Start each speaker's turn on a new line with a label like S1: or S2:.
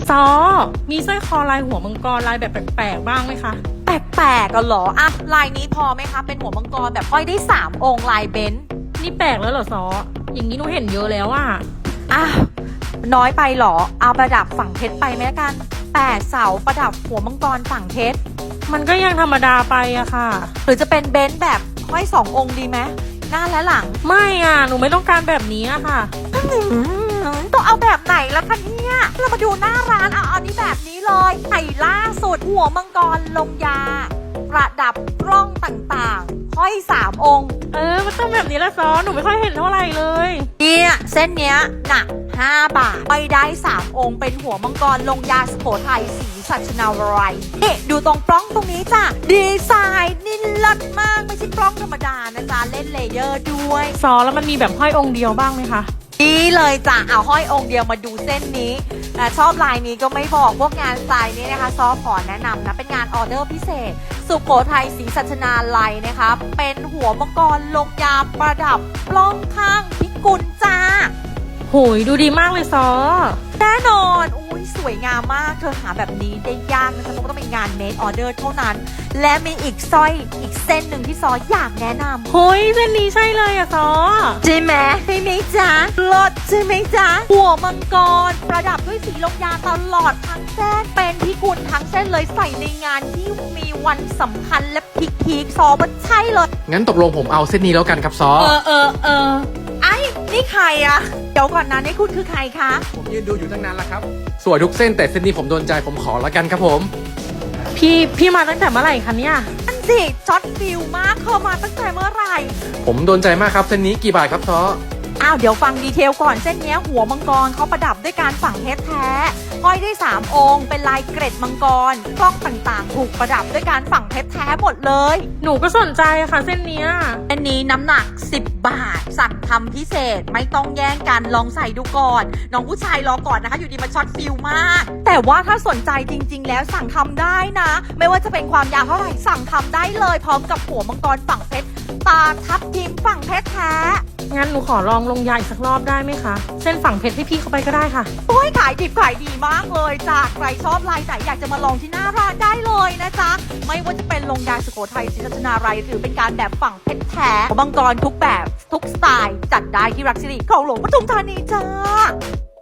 S1: ซอมีสร้อยคอลายหัวมังกรลายแบบแปลกๆบ้างไหมคะ
S2: แปลกๆกันเหรออะลายนี้พอไหมคะเป็นหัวมังกรแบบห้อยได้3 องค์ลายเบนซ์
S1: นี่แปลกแล้วเหรอซออย่างนี้หนูเห็นเยอะแล้วอะ
S2: อ่ะน้อยไปเหรอเอาประดับฝั่งเพชรไปไหมกัน8 เสาประดับหัวมังกรฝั่งเพชร
S1: มันก็ยังธรรมดาไปอะค่ะ
S2: หรือจะเป็นเบนซ์แบบห้อย2 องค์ดีไหมหน้าและหลัง
S1: ไม่อะหนูไม่ต้องการแบบนี้อะค่ะ
S2: ต้องเอาแบบไหนล่ะคะเนี่ยเรามาดูหน้าร้านเอานี้แบบนี้เลยไข่ล่าสุดหัวมังกรลงยาประดับกล้องต่างๆห้อย3 องค์
S1: มันต้องแบบนี้ละซอหนูไม่ค่อยเห็นเท่าไหร่เลย
S2: เนี่ยเส้นเนี้ยหนัก5 บาทไปได้3 องค์เป็นหัวมังกรลงยาสุโขทัยสีสัชนาวรัยนี่ดูตรงปล้องตรงนี้จ้ะดีไซน์นี่เลิศมากไม่ใช่ปล้องธรรมดานะจ๊ะเล่นเลเยอร์ด้วย
S1: ซอแล้วมันมีแบบห้อยองค์เดียวบ้างไหมคะ
S2: นี่เลยจ้ะเอาห้อยองค์เดียวมาดูเส้นนี้ชอบลายนี้ก็ไม่บอกพวกงานสไตล์นี้นะคะซอขอแนะนำนะเป็นงานออเดอร์พิเศษสุโขทัยศรีสัชนาลัยนะคะเป็นหัวมังกรลงยาประดับปล้องข้างพิกุลจ้า
S1: โหยดูดีมากเลยซอ
S2: แน่นอนอุ้ยสวยงามมากเธอหาแบบนี้ได้ยากนะคะเพราะต้องเป็นงานเมดออเดอร์เท่านั้นและมีอีกสร้อยอีกเส้นหนึ่งที่ซออยากแนะนำ
S1: โหยเส้นนี้ใช่เลยอะซอ
S2: ใช่ไหมใช่ไหมจ๊ะลดใช่ไหมจ๊ะหัวมังกรประดับด้วยสีลงยาตลอดทั้งเส้นเป็นพิกุลทั้งเส้นเลยใส่ในงานที่มีวันสำคัญและพีคซอมันใช่เลย
S3: งั้นตกลงผมเอาเส้นนี้แล้วกันครับซอ
S2: ไอ้นี่ใครอะเดี๋ยวก่อนนะนี่คุณคือใครคะ
S3: ผมยืนดูอยู่ตั้งนานแล้วครับสวยทุกเส้นแต่เส้นนี้ผมโดนใจผมขอแล้วกันครับผม
S1: พี่มาตั้งแต่เมื่อไหร่คะเนี่ย
S2: นั่นสิช็อตฟิลมากเข้ามาตั้งแต่เมื่อไหร่
S3: ผมโดนใจมากครับเส้นนี้กี่บาทครับซอ
S2: เดี๋ยวฟังดีเทลก่อนเส้นนี้หัวมังกรเขาประดับด้วยการฝังเพชรแท้ห้อยได้3 องค์เป็นลายเกร็ดมังกรกล้องต่างๆถูกประดับด้วยการฝังเพชรแท้หมดเลย
S1: หนูก็สนใจค่ะเส้นนี้
S2: อันนี้น้ำหนัก10 บาทสั่งทำพิเศษไม่ต้องแย่งกันลองใส่ดูก่อนน้องผู้ชายรอก่อนนะคะอยู่ดีมาช็อตฟิลมากแต่ว่าถ้าสนใจจริงๆแล้วสั่งทำได้นะไม่ว่าจะเป็นความยาวเท่าไหร่สั่งทำได้เลยพร้อมกับหัวมังกรฝังเพชรตาทับทิมฝังเพชรแท้
S1: งั้นหนูขอลองลงยาอีกสักรอบได้ไหมคะเส้นฝั่งเพชรให้พี่เข้าไปก็ได้ค่ะ
S2: โอ้ยขายดิบขายดีมากเลยจ้ะใครชอบลายไหนอยากจะมาลองที่หน้าร้านได้เลยนะจ๊ะไม่ว่าจะเป็นลงยาสุโขทัยศรีสัชนาลัยหรือเป็นการแบบฝั่งเพชรแท้มังกรทุกแบบทุกสไตล์จัดได้ที่รักสิริคลองหลวงปทุมธานีจ้า